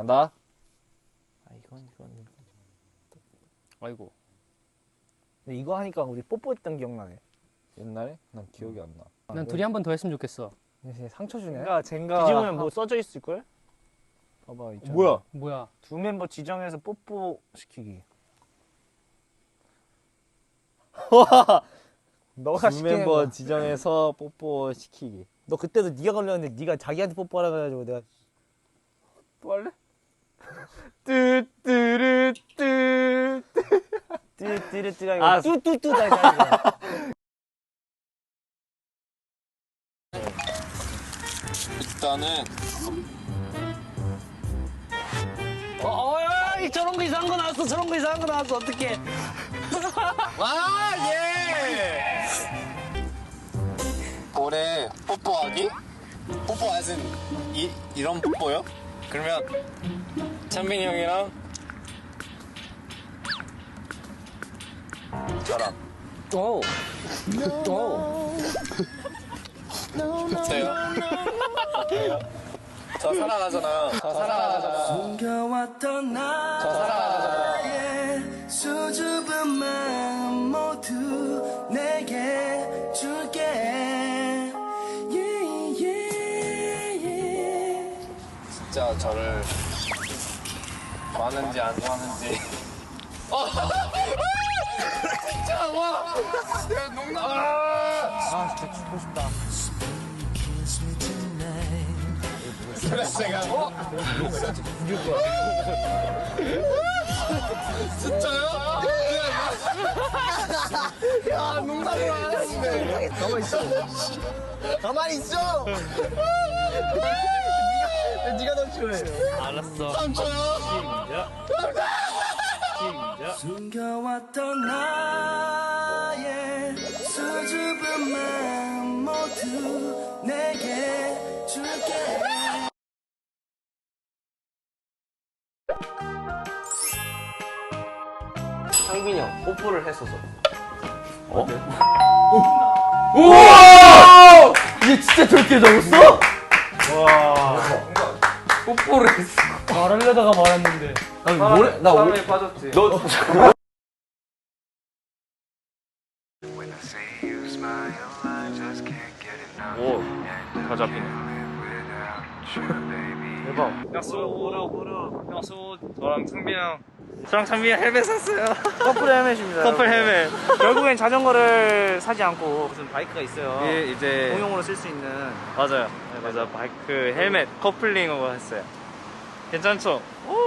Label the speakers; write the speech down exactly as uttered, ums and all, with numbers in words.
Speaker 1: 간다.
Speaker 2: 아 이건 이건.
Speaker 1: 아이고.
Speaker 2: 근데 이거 하니까 우리 뽀뽀했던 기억나네.
Speaker 1: 옛날에? 난 기억이 안 나.
Speaker 3: 난 아, 둘이 한 번 더 했으면 좋겠어.
Speaker 2: 상처 주네.
Speaker 4: 그러니까 젠가
Speaker 2: 뒤집으면 뭐 써져 있을 걸? 봐봐 있잖아.
Speaker 1: 뭐야?
Speaker 3: 뭐야?
Speaker 2: 두 멤버 지정해서 뽀뽀 시키기. 너가
Speaker 1: 두
Speaker 2: 시키는
Speaker 1: 멤버
Speaker 2: 거.
Speaker 1: 지정해서 뽀뽀 시키기.
Speaker 2: 너 그때도 네가 걸렸는데 네가 자기한테 뽀뽀하라 그래가지고 내가
Speaker 1: 또 할래?
Speaker 2: 뚜뚜르뚜 뚜뚜르뚜가
Speaker 1: 아,
Speaker 2: 아니고 뚜뚜뚜다 했잖아.
Speaker 1: 일단은
Speaker 2: 어, 어, 야, 이 저런 거 이상한 거 나왔어. 저런 거 이상한 거 나왔어. 어떡해.
Speaker 1: 아 예. 올해 뽀뽀하기? 뽀뽀 아진 이 이런 뽀뽀요? 그러면 찬민이 형이랑 저랑
Speaker 2: 오. 오.
Speaker 1: 어때요? 저 사랑하잖아요. 저 사랑하잖아요.
Speaker 5: 숨겨왔던
Speaker 1: 저 사랑하잖아요.
Speaker 5: 나의 수줍은 마음 모두 내게 줄게. Yeah, yeah, yeah.
Speaker 1: 진짜 저를 좋아하는지 안 좋아하는지. 어! 진짜 와! 내가 농담.
Speaker 2: 아, 진짜 죽고 싶다.
Speaker 1: 그래서 제가 어? 진짜요? 야 농담을 안 하시네.
Speaker 2: 가만히 있어. 가만히 있어. 네가 네가 더 싫어해.
Speaker 3: 알았어.
Speaker 1: 삼촌요?
Speaker 5: 숨겨왔던 나의 수줍은 마음 모두 내게 줄게.
Speaker 2: 상빈이 형 뽀뽀를 했었어.
Speaker 3: 우와! 이게 진짜 저렇게 적었어? 와. 뽀뽀를 했어. 말하려다가 말았는데. 나 뭐래? 나 오래 빠졌지. 너.
Speaker 4: 오, 다 잡히네. 대박. 약수 오라 오라. 약수 저랑 창빈 형. 저랑 창빈 형 헬멧 샀어요.
Speaker 2: 커플 헬멧입니다.
Speaker 4: 커플 헬멧.
Speaker 2: 결국엔 자전거를 사지 않고 무슨 바이크가 있어요.
Speaker 4: 예, 이제
Speaker 2: 공용으로 쓸 수 있는.
Speaker 4: 맞아요. 그래서 바이크 헬멧 커플링으로 했어요. 괜찮죠? 오!